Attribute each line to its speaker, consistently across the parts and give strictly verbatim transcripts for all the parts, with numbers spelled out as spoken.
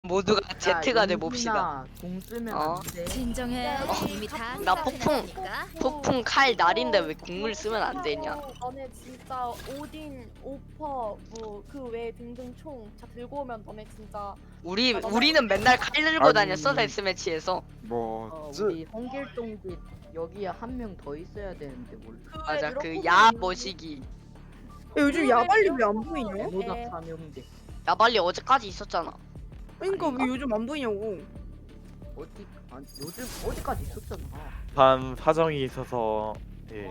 Speaker 1: 모두가 Z가 돼 봅시다.
Speaker 2: 공 쓰면
Speaker 1: 어.
Speaker 2: 안 돼.
Speaker 3: 진정해.
Speaker 1: 어,
Speaker 3: 이미 다
Speaker 1: 나 폭풍. 폭풍 칼 날인데 왜 궁을 쓰면 안 되냐?
Speaker 4: 너네 진짜 오딘, 오퍼, 뭐 그 외 등등 총 다 들고 오면 너네 진짜
Speaker 1: 우리 우리는 맨날 칼 들고
Speaker 5: 아니.
Speaker 1: 다녔어 데스매치에서.
Speaker 5: 뭐
Speaker 2: 어,
Speaker 5: 쯔-
Speaker 2: 우리 홍길동집 여기에 한 명 더 있어야 되는데 몰라.
Speaker 1: 맞아 그 야 머시기.
Speaker 6: 야, 요즘 야발리 왜 안 보이냐?
Speaker 2: 모닥 삼형제
Speaker 1: 야 빨리 어제까지 있었잖아.
Speaker 6: 그러니까
Speaker 1: 아닌가?
Speaker 6: 왜 요즘 안 보이냐고.
Speaker 2: 어디 아니, 요즘 어디까지 있었잖아.
Speaker 5: 반 사정이 있어서 예.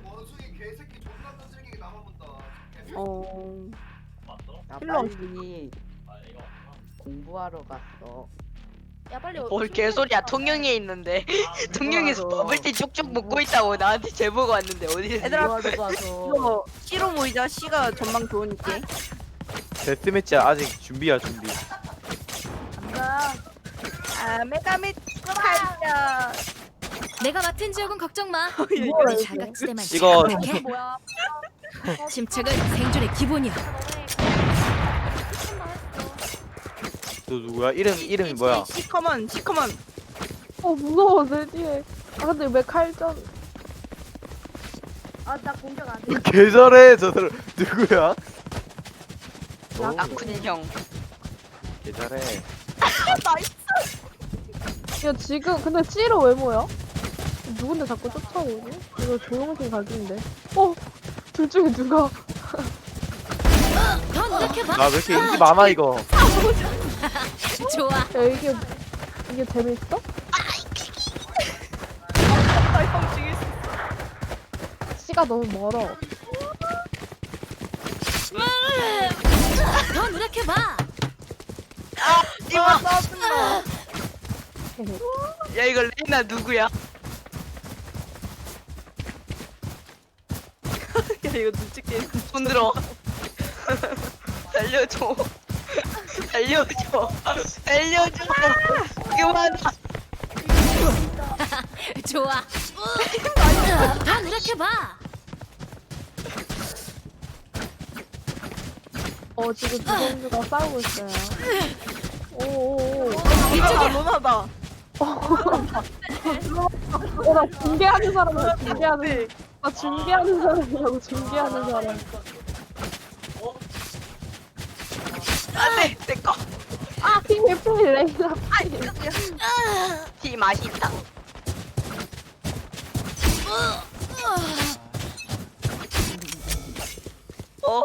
Speaker 6: 어.
Speaker 2: 나
Speaker 6: 일로 와.
Speaker 2: 빨리 공부하러 갔어.
Speaker 4: 야 빨리
Speaker 1: 뭘 개소리야 통영에 있는데 통영에서 버블티 쭉쭉 먹고 있다고 나한테 제보가 왔는데 어디
Speaker 6: 얘들아,
Speaker 2: 공부하러 가서
Speaker 6: 이거 C로 모이자. C가 전망 좋으니까.
Speaker 5: 데스매치 아직 준비야 준비.
Speaker 2: 간다.
Speaker 6: 아, 메가밋 팔자.
Speaker 3: 내가 맡은 지역은 걱정 마.
Speaker 6: 뭐야,
Speaker 3: 우리
Speaker 6: 이거.
Speaker 3: 사각지대만
Speaker 5: 이거-
Speaker 3: 침착해.
Speaker 4: 뭐야?
Speaker 3: 침착은 생존의 기본이야.
Speaker 5: 너 누구야? 이름 이름이 뭐야?
Speaker 6: 시커먼, 시커먼.
Speaker 7: 어 무서워 내 뒤에. 아 근데 왜 칼전?
Speaker 4: 아나 공격 안 돼.
Speaker 5: 계절해 저 사람 누구야? 너
Speaker 1: 아쿤 형.
Speaker 5: 계절해.
Speaker 7: 야 지금 근데 찌로 왜 모여? 누군데 자꾸 쫓아오지? 이거 조용신 각인데. 어? 둘 중에 누가?
Speaker 3: 더 노력해봐.
Speaker 5: 아 왜 이렇게 인기 많아 이거?
Speaker 3: 좋아.
Speaker 7: 야 이게 이게 재밌어?
Speaker 6: 형 죽일 수 있어.
Speaker 7: 씨가 너무 멀어.
Speaker 3: 더 노력해봐.
Speaker 6: 아, 짜증나.
Speaker 1: 야 이거 레이나 누구야?
Speaker 6: 야, 이거 눈치 게임.
Speaker 1: 손 들어. 살려줘. 살려줘. 살려줘. 그만.
Speaker 3: 좋아. 더 노력해봐.
Speaker 7: 어 지금 두 선수가 싸우고 있어요. 오오오.
Speaker 6: 이쪽에 로나다.
Speaker 7: 어나 중계하는 사람이야 중계하는. 나 중계하는 사람이라고 중계하는 사람.
Speaker 1: 안돼 내 거.
Speaker 7: 아 핑계 핑계 레이나.
Speaker 1: 티 맛있다. 어.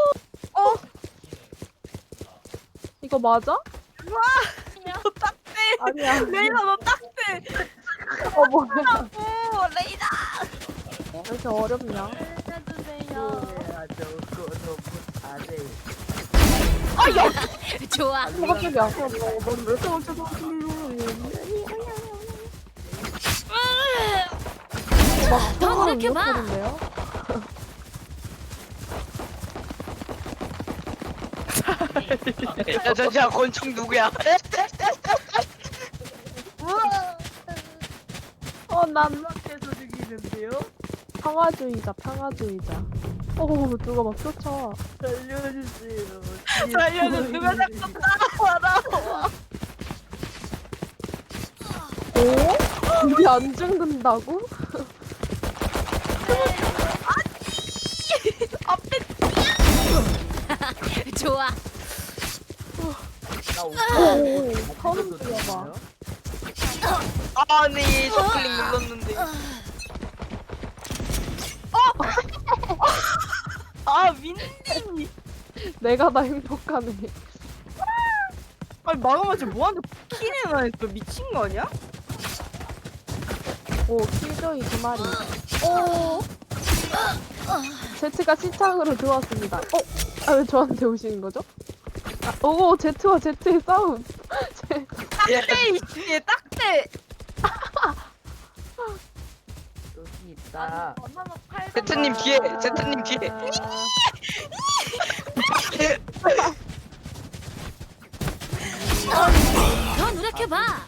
Speaker 7: 이거 맞아?
Speaker 6: 너 딱대.
Speaker 7: 아니야.
Speaker 6: 레이나 너 딱대.
Speaker 7: 어 뭐야?
Speaker 6: 오, 레이나.
Speaker 7: 왜 이렇게 어렵냐?
Speaker 4: 해주세요.
Speaker 2: 야 저거 너무 잘해.
Speaker 3: 좋아.
Speaker 7: 어 깜짝이야. 막
Speaker 3: 더
Speaker 7: 통화를
Speaker 3: 노력해봐.
Speaker 7: 못하는데요?
Speaker 1: 야 잠시만 권총 누구야?
Speaker 7: 어난
Speaker 2: 계속 죽이는데요?
Speaker 7: 평화주의자 평화주의자. 어 누가 막 쫓아와.
Speaker 2: 살려주세요.
Speaker 6: 살려줘. 누가 자꾸 따라와라.
Speaker 7: 오? 우리 안 죽는다고?
Speaker 3: 좋아.
Speaker 2: 나
Speaker 7: 오,
Speaker 2: 오빠
Speaker 7: 서른 뛰어봐.
Speaker 1: 아니 저클릭 눌렀는데.
Speaker 6: 아, 민니.
Speaker 7: 내가 다 행복하네.
Speaker 6: 아니, 마감하지 뭐하는데 키네나 했어. 미친 거 아니야?
Speaker 7: 오 킬조이 두 마리. 오. 제트가 시창으로 들어왔습니다. 어? 아 왜 저한테 오시는 거죠? 아, 오 제트와 제트의 싸움. 제-
Speaker 6: 딱대, 이씨. 얘 딱대.
Speaker 2: 여기 있다.
Speaker 4: 엄마가 팔.
Speaker 1: 제트님 뒤에. 제트님 뒤에.
Speaker 3: 더 노력해봐.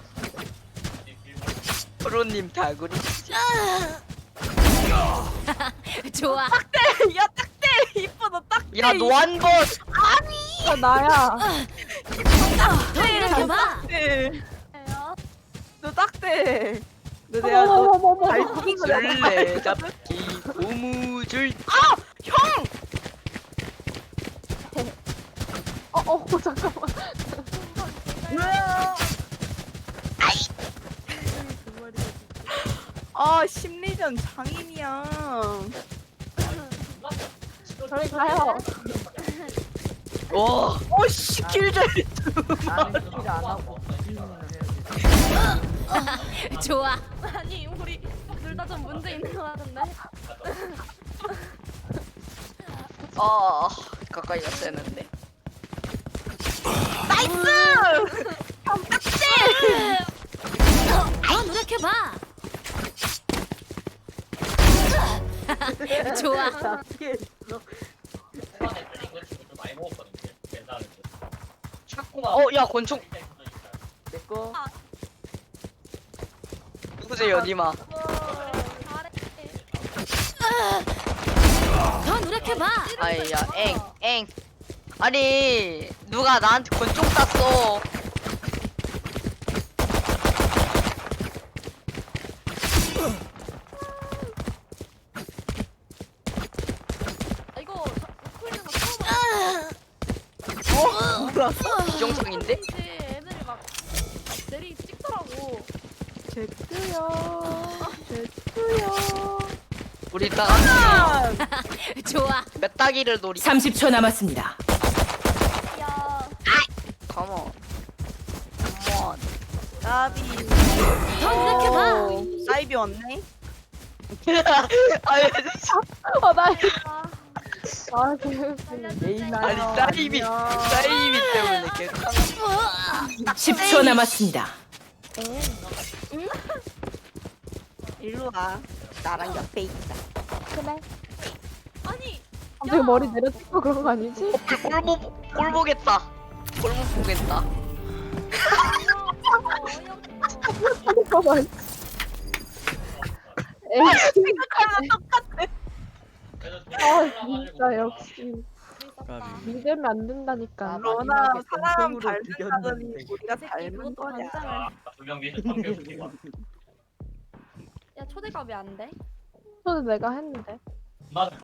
Speaker 1: 프로님 다구리.
Speaker 3: 좋아.
Speaker 6: 야, 딱대. 이뻐, 너 딱대.
Speaker 1: 야 노안벗.
Speaker 7: 아, 나야.
Speaker 3: 더 노력해봐.
Speaker 6: 네.
Speaker 4: 해요.
Speaker 6: 너 딱대. 너 내가 너
Speaker 7: 어머머머머.
Speaker 6: 잘 죽인 거 내가
Speaker 1: 술래 잡기 고무줄.
Speaker 7: 어, 어, 잠깐만.
Speaker 6: 아 심리전 장인이야.
Speaker 7: 저리 가요.
Speaker 1: 와.
Speaker 6: 어씨 길잘.
Speaker 2: 나는 킬 안 하고 비밀을 해야 돼.
Speaker 3: 좋아.
Speaker 4: 아니 우리 둘 다 좀 문제 있는 거 같은데.
Speaker 1: 아 가까이 갔어야 했는데.
Speaker 3: 더 노력해봐. 좋아.
Speaker 2: 나 피해 있어.
Speaker 1: 어야 권총.
Speaker 2: 내 거.
Speaker 1: 누구세요 니마?
Speaker 4: 잘해.
Speaker 3: 더 노력해봐.
Speaker 1: 아이야 엥엥. 아니 누가 나한테 권총 쐈어.
Speaker 4: 아, 이거 우크라이나 처음
Speaker 1: 비정상인데?
Speaker 4: 이제 애들이 막 내리 찍더라고.
Speaker 6: 제트요. 제트요.
Speaker 1: 우리 이따가
Speaker 3: 좋아.
Speaker 1: 몇 따기를 노리.
Speaker 8: 삼십 초 남았습니다.
Speaker 4: 야,
Speaker 1: 컴온. 컴온.
Speaker 6: 나비.
Speaker 3: 더 노력해봐.
Speaker 6: 오, 사이비 왔네.
Speaker 1: 아니
Speaker 7: 어, 나.
Speaker 4: 아,
Speaker 7: 아, 개웃기네.
Speaker 2: 레이나요.
Speaker 1: 아니 사이비 사이비 때문에 계속.
Speaker 8: 십 초 남았습니다.
Speaker 6: 일로 와. 나랑 옆에 있자.
Speaker 7: 그래.
Speaker 4: 아니
Speaker 7: 갑자기 머리 내려 찍고 그런 거 아니지?
Speaker 1: 꼴보 꼴 보겠다. 꼴보 보겠다.
Speaker 7: 잠깐만. 에이,
Speaker 6: 생각하면 똑같아.
Speaker 7: 아, 진짜 역시. 믿으면 안 된다니까.
Speaker 2: 아,
Speaker 6: 로나
Speaker 2: 마지막에
Speaker 6: 사람
Speaker 2: 권총으로
Speaker 6: 닮는다더니
Speaker 2: 죽였는데.
Speaker 6: 우리가
Speaker 4: 이 새끼
Speaker 6: 닮은
Speaker 4: 그것도
Speaker 6: 거냐.
Speaker 4: 반장을. 야 초대가 왜 안 돼?
Speaker 7: 저도 내가 했는데.